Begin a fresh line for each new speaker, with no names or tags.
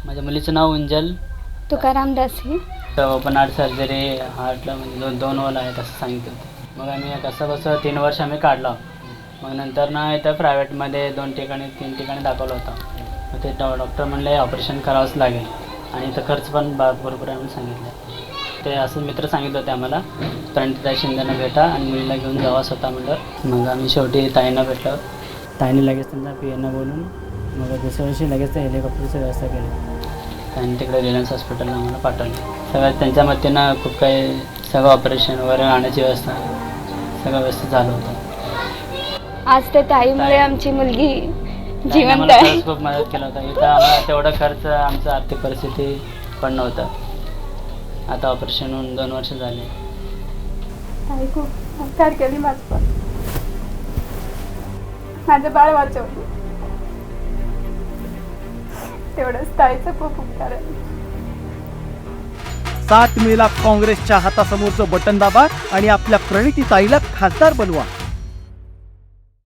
माझ्या मुलीचं नाव उंजल
तुकाराम दासी.
तर ओपन हार्ट सर्जरी हार्टला म्हणजे दोन होल आहेत असं सांगितलं होतं. मग आम्ही कसं 3 वर्ष आम्ही काढलं. मग नंतर ना इथं प्रायव्हेटमध्ये 3 ठिकाणी दाखवलं होतं. मग ते डॉक्टर म्हणले ऑपरेशन करावंच लागेल आणि इथं खर्च पण भरपूर आहे म्हणून सांगितलं. ते असं मित्र सांगितलं होते आम्हाला प्रणिताताई शिंदेना भेटा आणि मुलीला घेऊन जावा स्वतः म्हणलं. मग आम्ही शेवटी ताईंना भेटलो. ताईने लगेच त्यांना PNना बोलून मग दुसऱ्या दिवशी लगेच ते हेलिकॉप्टरची व्यवस्था केली. त्यांनी तिकडे रिलायन्स हॉस्पिटलला आम्हाला पाठवलं. सगळं त्यांच्या मतीनं खूप काही सगळं ऑपरेशन वगैरे राहण्याची व्यवस्था सगळं व्यवस्थित झालं होतं.
आज त्या ताईमुळे आमची मुलगी जिवंत
आम्हाला
आहे.
खरंच खूप मदत केलं होतं. इथं आम्हाला तेवढा खर्च आमचं आर्थिक परिस्थिती पण नव्हतं. आता ऑपरेशन होऊन 2 वर्ष झाले.
ताई खूप उपकार केली माझं बाळ वाचवलं. तेवढंच ताईचं खूप उपकार आहे.
7 मेला काँग्रेसच्या हातासमोरचं बटन दाबा आणि आपल्या प्रणितीताईला खासदार बनवा.